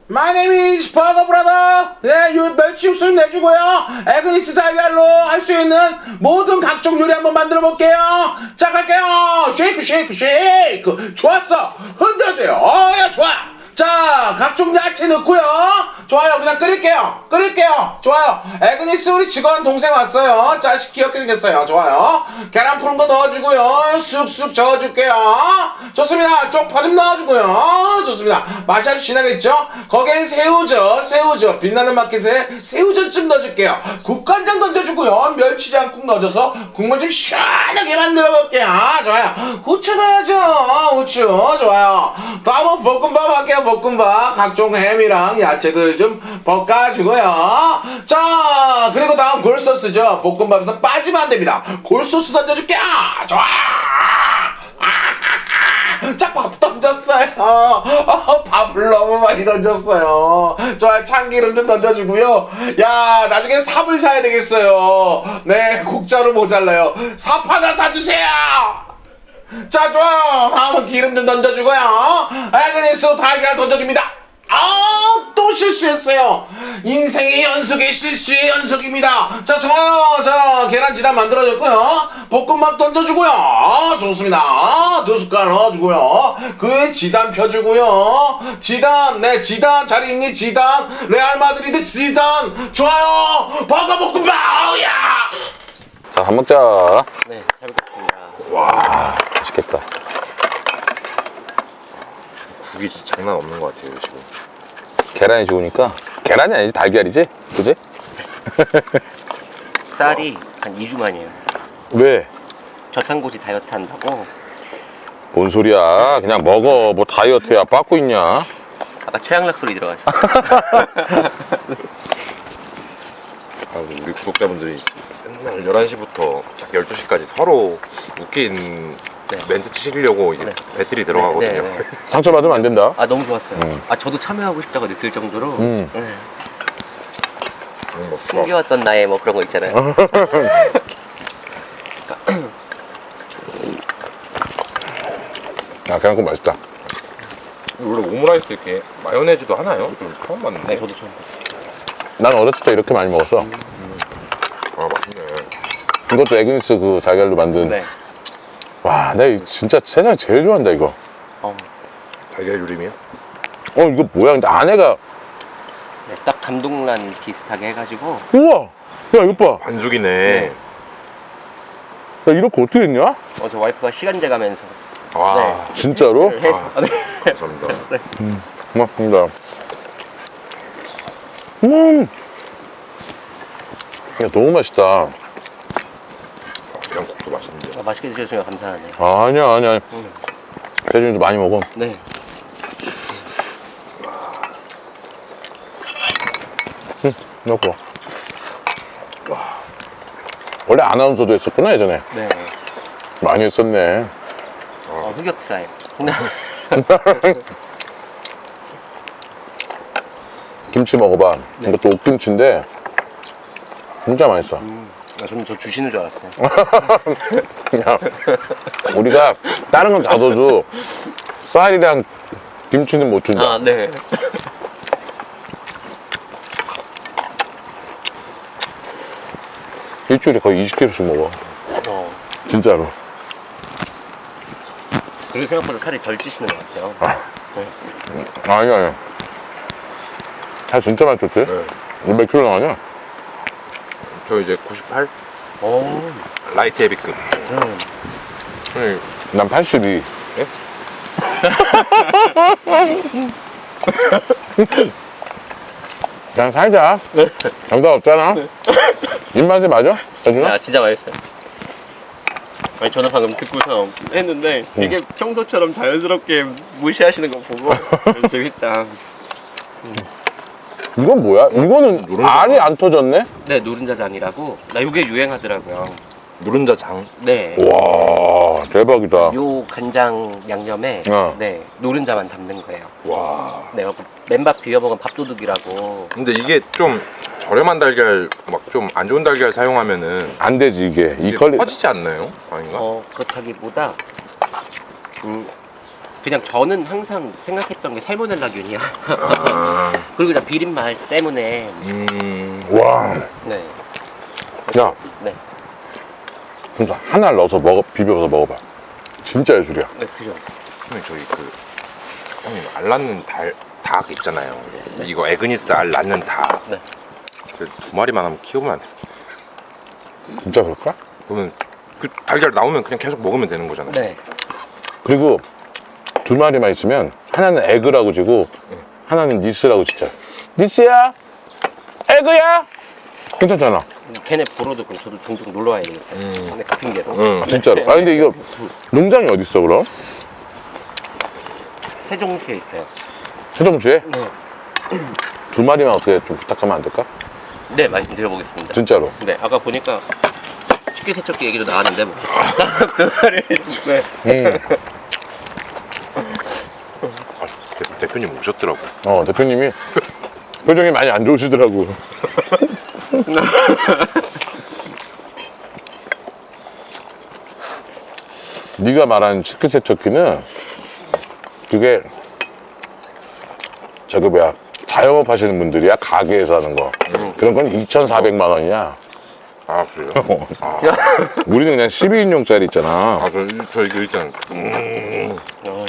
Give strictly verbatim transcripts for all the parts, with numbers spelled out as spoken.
My name is 버거 브라더. 예, 요 멸치 육수 내주고요. 에그니스 달걀로 할 수 있는 모든 각종 요리 한번 만들어 볼게요. 자, 갈게요. 쉐이크, 쉐이크, 쉐이크. 좋았어. 흔들어줘요. 어, 야, 좋아. 자, 각종 야채 넣고요. 좋아요. 그냥 끓일게요. 끓일게요. 좋아요. 에그니스 우리 직원 동생 왔어요. 자식 귀엽게 생겼어요. 좋아요. 계란 푸른 거 넣어주고요. 쑥쑥 저어줄게요. 좋습니다. 쪽파 좀 넣어주고요. 좋습니다. 맛이 아주 진하겠죠? 거기엔 새우젓, 새우젓. 빛나는 마켓에 새우젓 좀 넣어줄게요. 국간장 던져주고요. 멸치장국 넣어줘서 국물 좀 시원하게 만들어 볼게요. 좋아요. 후추 넣어야죠. 후추. 좋아요. 다음은 볶음밥 할게요. 볶음밥. 각종 햄이랑 야채들 좀 볶아주고요. 자, 그리고 다음 골소스죠. 볶음밥에서 빠지면 안 됩니다. 골소스 던져줄게요. 좋아. 자, 밥 던졌어요. 어, 밥을 너무 많이 던졌어요. 좋아요. 참기름 좀 던져주고요. 야, 나중에 삽을 사야 되겠어요. 네, 국자로 모자라요. 삽 하나 사주세요. 자, 좋아요. 다음은 기름 좀 던져주고요. 에그니스 달걀 던져줍니다. 아, 또 실수했어요. 인생의 연속의 실수의 연속입니다. 자, 좋아요. 자, 계란지단 만들어줬고요. 볶음밥 던져주고요. 좋습니다. 두 숟갈 넣어주고요. 그 위에 지단 펴주고요. 지단, 네, 지단 잘 있니? 지단, 레알 마드리드 지단. 좋아요. 버거 볶음밥. 야. 자, 밥 먹자. 네, 잘 먹겠습니다. 와, 맛있겠다. 국이 진짜 장난 없는 것 같아요 지금. 계란이 좋으니까. 계란이 아니지, 달걀이지? 그지? 쌀이 한 이 주 만이에요. 왜? 저탄고지 다이어트 한다고. 뭔 소리야. 그냥 먹어. 뭐 다이어트야. 빠꾸 있냐? 아까 최양락 소리 들어가죠. 아, 우리 구독자분들이 맨날 열한 시부터 딱 열두 시까지 서로 웃긴 네. 멘트 치시려고 이게 네. 배틀이 들어가거든요. 네, 네, 네. 상처받으면 안 된다. 아, 너무 좋았어요. 음. 아, 저도 참여하고 싶다고 느낄 정도로. 음. 네. 그런 거 없어. 숨겨왔던 나의 뭐 그런 거 있잖아요. 아, 계란국 맛있다. 원래 오므라이스 이렇게 마요네즈도 하나요? 좀 처음 봤는데. 네, 저도 처음 봤어요. 난 어렸을 때 이렇게 많이 먹었어. 아, 맛있네. 이것도 에그니스 그 달걀로 만든. 네. 와, 내가 이거 진짜 세상에 제일 좋아한다, 이거. 어, 달걀 요리미요? 어, 이거 뭐야? 근데 안에가. 네, 딱 감동란 비슷하게 해가지고. 우와! 야, 이거 봐. 반숙이네. 네. 야, 이렇게 어떻게 했냐? 어, 저 와이프가 시간 재가면서. 와, 네. 진짜로? 해서. 아. 네. 감사합니다. 네. 고맙습니다. 음! 야, 너무 맛있다. 그냥 국도 맛있는데. 아, 맛있게 드셔주셔서 감사하네요. 아, 아니야, 아니야. 음. 대준이도 많이 먹어. 네. 먹고. 원래 아나운서도 했었구나, 예전에. 네. 많이 했었네. 어, 흑역사예요. 김치 먹어봐. 네. 이것도 옥김치인데 진짜 맛있어. 음. 아, 저는 저 주시는 줄 알았어요. 그냥 우리가 다른 건 다 넣어도 쌀이랑 김치는 못 준다. 아, 네. 일주일에 거의 이십 킬로그램씩 먹어. 어. 진짜로. 그리고 생각보다 살이 덜 찌시는 것 같아요. 아. 네. 아니, 아니. 살 진짜 많이 쪘지? 네. 몇 킬로 나가냐? 저 이제 구십팔? 오. 라이트 헤비급. 음. 네. 난 팔십이. 예? 그냥 살자. 정답 없잖아. 입맛에 맞아? 대준아? 야, 진짜 맛있어요. 아니, 저는 방금 듣고서 했는데 되게 평소처럼 자연스럽게 무시하시는 거 보고 재밌다. 이건 뭐야? 이거는 노른자. 알이 안 터졌네? 네, 노른자장이라고. 나 이게 유행하더라고요. 누른자 장. 네. 와, 대박이다. 요 간장 양념에 어. 네 노른자만 담는 거예요. 와. 네, 그 맨밥 비벼 먹은 밥도둑이라고. 근데 이게 좀 저렴한 달걀, 막 좀 안 좋은 달걀 사용하면은 안 되지, 이게. 이 이게 퀄리. 퍼지지 않나요? 아닌가? 어, 그렇다기보다 음, 그냥 저는 항상 생각했던 게 살모넬라균이야. 아, 그리고 그냥 비린맛 때문에. 음, 와, 네. 야, 네. 진짜 하나 넣어서 먹어, 비벼서 먹어봐. 진짜 예술이야. 네, 드셔. 형님 저희 그 형님 알 낳는 달, 닭 있잖아요. 이거 에그니스 알 낳는 닭. 네. 그 두 마리만 한번 키우면 안 돼? 진짜 그럴까? 그러면 그 달걀 나오면 그냥 계속 먹으면 되는 거잖아요. 네. 그리고 두 마리만 있으면 하나는 에그라고 지고 하나는 니스라고 진짜. 니스야? 에그야? 괜찮잖아. 걔네 보러도 그럼 저도 종종 놀러 와야 되겠어요. 음. 근데 그 핑계로. 응. 아, 진짜로. 아 근데 이거 농장이 어디 있어 그럼? 세종시에 있어요. 세종시에? 네. 두 마리만 어떻게 좀 부탁하면 안 될까? 네, 말씀드려보겠습니다. 진짜로. 네, 아까 보니까 식기세척기 얘기도 나왔는데 뭐. 그 말을. 네. 음. 아, 대, 대표님 오셨더라고. 어 대표님이 표정이 많이 안 좋으시더라고. 네가 말한 식기세척기는 그게 저기 뭐야 자영업 하시는 분들이야 가게에서 하는 거 그런 건 이천사백만 원이야. 아 그래요? 아, 우리는 그냥 십이 인용짜리 있잖아. 아 저, 저 이거 일단 음, 어.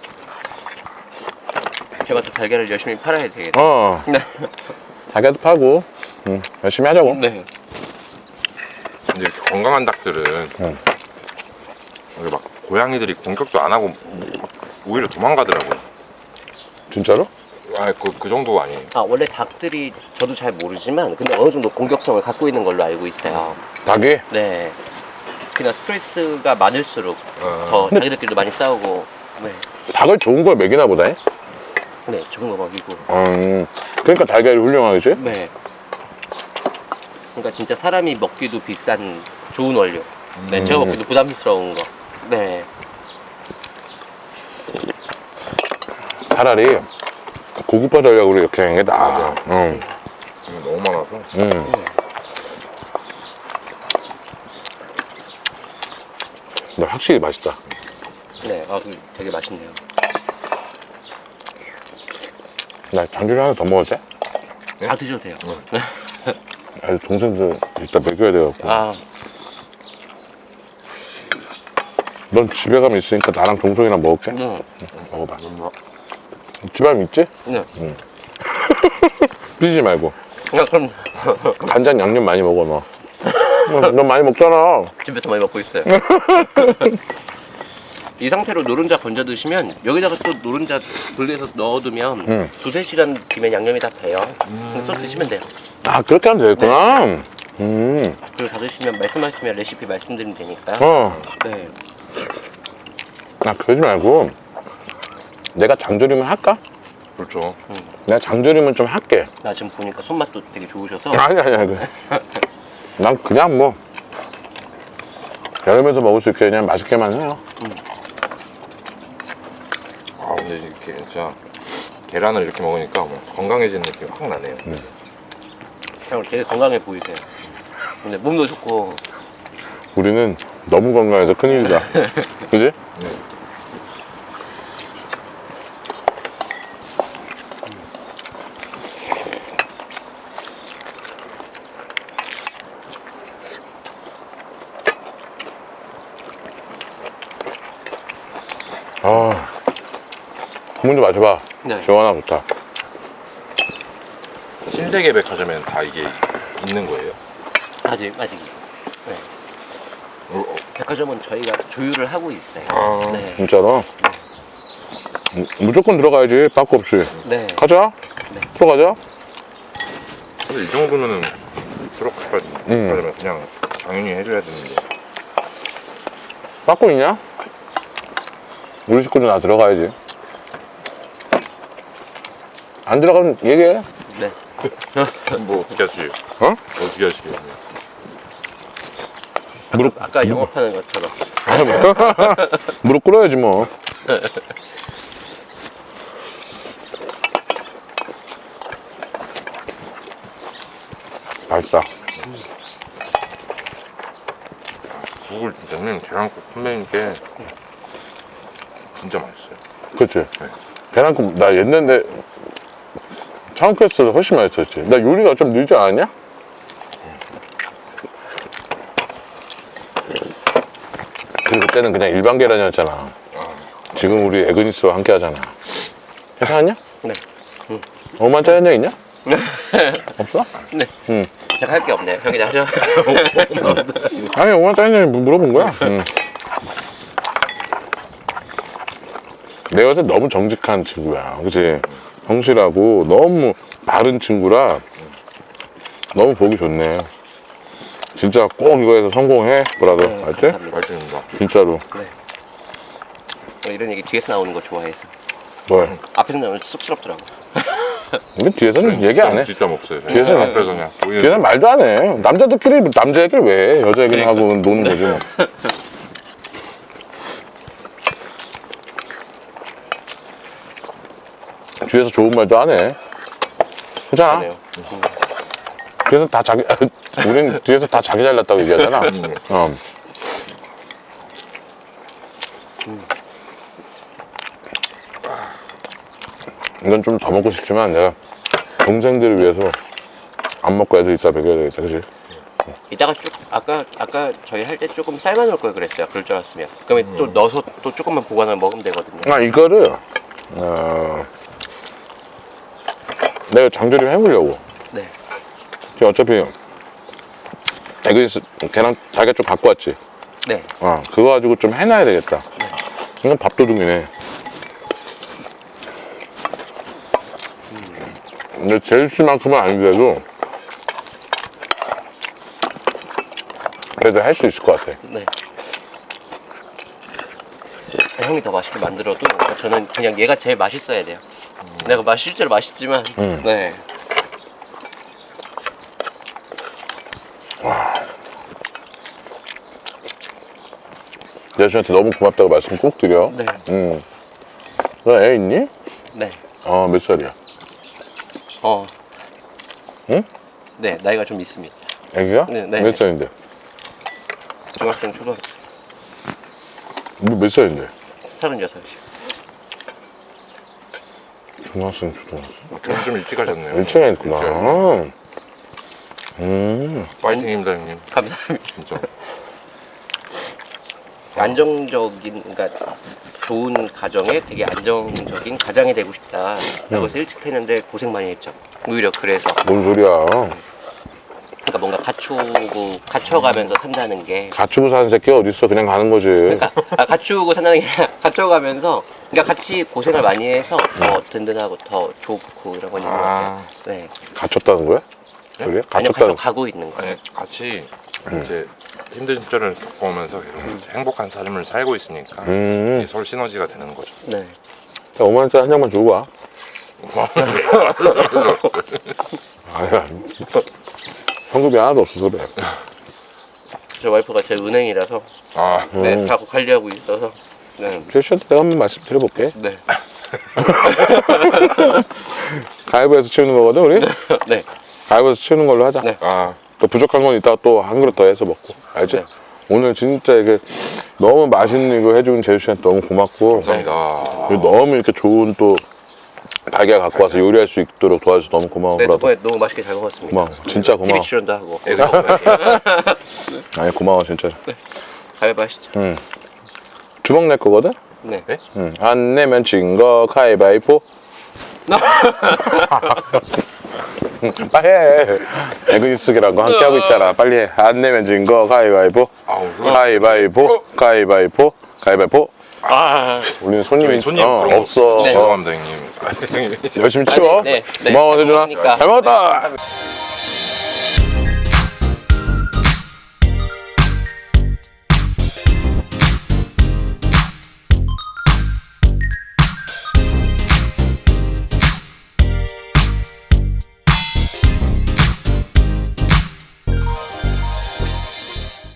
제가 또 달걀을 열심히 팔아야 되겠네. 어 네. 가게도 파고 응, 열심히 하자고. 네. 근데 이렇게 건강한 닭들은 응. 여기 막 고양이들이 공격도 안 하고 막 오히려 도망가더라고요. 진짜로? 아, 그, 그 정도 아니에요. 아, 원래 닭들이 저도 잘 모르지만 근데 어느 정도 공격성을 갖고 있는 걸로 알고 있어요. 닭이? 네. 그냥 스트레스가 많을수록 아. 더 자기들끼리도 많이 싸우고. 네. 닭을 좋은 걸 먹이나 보다. 잉? 네, 좋은 거 먹이고. 음, 그러니까 달걀이 훌륭하겠지? 네. 그러니까 진짜 사람이 먹기도 비싼 좋은 원료. 네, 음. 제가 먹기도 부담스러운 거. 네. 차라리 고급화 전략으로 이렇게 하는 게 나아. 응. 이거 너무 많아서. 응. 근데 확실히 맛있다. 네, 아, 그 되게 맛있네요. 나 장조림 하나 더 먹어도 돼? 네? 아, 드셔도 돼요. 응. 아, 동생들 이따 먹여야 돼갖고. 아, 넌 집에 가면 있으니까 나랑 동생이랑 먹을게. 네. 먹어봐. 집에 가면 있지? 네. 삐지지 말고. 아, 그럼 간장 양념 많이 먹어, 너. 어, 넌 많이 먹잖아. 집에서 많이 먹고 있어요. 이 상태로 노른자 건져 드시면 여기다가 또 노른자 분리해서 넣어두면 응. 두세 시간 뒤면 양념이 다 배요. 그래서 또 드시면 돼요. 아, 그렇게 하면 되겠구나. 음. 그리고 다 드시면 말씀하시면 레시피 말씀드리면 되니까요. 어. 네. 아, 그러지 말고. 내가 장조림을 할까? 그렇죠. 내가 장조림은 좀 할게. 나 지금 보니까 손맛도 되게 좋으셔서. 아니, 아니, 아니. 난 그냥 뭐. 여름에서 먹을 수 있게 그냥 맛있게만 해요. 아, 근데 이렇게 진짜 계란을 이렇게 먹으니까 뭐 건강해지는 느낌이 확 나네요. 형 되게 건강해 보이세요. 근데 몸도 좋고. 우리는 너무 건강해서 큰일이다. 그지? 네. 아, 한번 좀 마셔봐. 네. 시원하고 좋다. 신세계 백화점에는 다 이게 있는 거예요. 아직 아직. 네. 어, 어, 백화점은 저희가 조율을 하고 있어요. 아. 네. 진짜로? 무- 무조건 들어가야지, 빠꾸 없이. 네. 가자. 네. 들어가자. 근데 이 정도면은 들어가야지. 음. 그러면 그냥 당연히 해줘야 되는데. 빠꾸 있냐? 우리 식구들 다 들어가야지. 안 들어가면 얘기해. 네. 뭐 어떻게 하시게요? 어? 어떻게 하시게요? 무릎, 아까 영업하는 것처럼. 아니, 뭐. 무릎 꿇어야지, 뭐. 맛있다. 국을 진짜 형님 계란국 선배님께 진짜 맛있어요. 그치? 계란국 나 옛날에 창패스를 훨씬 맛있었지. 나 요리가 좀 늘지 않았냐? 그리고 그때는 그냥 일반 계란이었잖아. 지금 우리 에그니스와 함께 하잖아. 괜찮았냐? 네. 오만짜리 한 장 있냐? 없어? 네. 응. 제가 할 게 없네요. 형이 다 하죠. 아니 오만짜리 한 장 물어본 거야. 응. 내가 봤을 때 너무 정직한 친구야. 그치? 성실하고 너무 바른 친구라 너무 보기 좋네. 진짜 꼭 이거에서 성공해, 브라더. 네, 알지? 감사합니다. 맛있습니다. 진짜로. 네. 저 이런 얘기 뒤에서 나오는 거 좋아해서. 뭘? 앞에서 나오면 쑥스럽더라고. 근데 뒤에서는 얘기 안 해. 진짜 없어요. 뒤에서는 앞에서 그냥 보이는 뒤에서는 말도 안 해. 남자들끼리 남자 얘기를 왜 해? 여자 얘기를 하고 노는 거지 뭐. 뒤에서 좋은 말도 안 해. 그잖아. 그러네요. 뒤에서 다 자기, 우린 뒤에서 다 자기 잘났다고 얘기하잖아. 어. 이건 좀 더 먹고 싶지만 내가 동생들을 위해서 안 먹고 애들 이따 먹여야 되겠다, 그치? 이따가 쭉 아까 아까 저희 할 때 조금 삶아 놓을 걸 그랬어요. 그럴 줄 알았으면. 그러면 또 넣어서 또 조금만 보관하면 먹으면 되거든요. 아, 이거를, 어, 내가 장조림 해보려고. 네. 지금 어차피 에그니스 계란 달걀 좀 갖고 왔지? 네. 어, 그거 가지고 좀 해놔야 되겠다. 이건 밥도둑이네. 근데 제일씨만큼은 아니더라도 그래도 할 수 있을 것 같아. 네. 형이 더 맛있게 만들어도 저는 그냥 얘가 제일 맛있어야 돼요. 내가 맛 실제로 맛있지만 음. 네. 여자친구한테 너무 고맙다고 말씀 꼭 드려. 네. 응. 너 애 있니? 네. 어, 몇 살이야? 어. 응? 네, 나이가 좀 있습니다. 애기가? 네, 네. 몇 살인데? 중학생, 초등학생, 뭐 몇 살인데? 서른여섯이요. 중학생, 초등학생. 결혼 좀 일찍 하셨네요. 일찍 했구나. 일찍 하셨네요. 음. 파이팅입니다, 형님. 감사합니다. 진짜. 안정적인, 그러니까 좋은 가정에 되게 안정적인 가장이 되고 싶다라고 해서 일찍 했는데 고생 많이 했죠. 오히려 그래서 뭔 소리야. 그러니까 뭔가 갖추고 갖춰가면서 산다는 게 갖추고 사는 새끼가 어딨어. 그냥 가는 거지. 그러니까 아, 갖추고 산다는 게 아니라 갖춰가면서 그러니까 같이 고생을 많이 해서 더 든든하고 더 좋고 이런 건 있는 것 같아요. 아, 네. 갇혔다는 거야? 예? 그래? 아니요, 갇혔다는 계속 가고 있는 거예요. 아니, 같이 이제 힘든 시절을 겪어오면서 계속 행복한 삶을 살고 있으니까 음. 이게 서로 시너지가 되는 거죠. 네. 오만 원짜리 한 장만 주고 와. 아야. 현금이 하나도 없어서 그래. 저 와이프가 제 은행이라서 아, 네, 음. 다 관리하고 있어서 네. 제시한테 내가 한번 말씀드려볼게. 네. 가위바위보에서 치우는 거거든, 우리? 네. 가위바위보에서 치우는 걸로 하자. 네. 아, 또 부족한 건 이따가 또 한 그릇 더 해서 먹고. 알지? 네. 오늘 진짜 이게 너무 맛있는 이거 해준 제수 씨한테 너무 고맙고. 감사합니다. 그리고 너무 이렇게 좋은 또 달걀 갖고 와서 요리할 수 있도록 도와줘서 너무 고마워. 네, 브라더. 덕분에 너무 맛있게 잘 먹었습니다. 고마워. 진짜 고마워. 티비 출연도 하고. 아니, 고마워, 진짜. 가위바위보 하시죠. 응. 주먹 낼 거거든? 네. 네? 응. 안 내면 진 거 가위바위보. 응, 빨리 해. 에그니스기라고 함께 하고 있잖아. 빨리 해. 안 내면 진 거 가위바위보. 아우, 그거- 가위바위보. 가위바위보. 가위바위보. 아, 우리는 손님이 손님 어, 그런 거 없어. 네. 어, 죄송합니다, 형님. 열심히 치워. 네, 네. 고마워, 잘 세준아. 먹으니까. 잘 먹었다.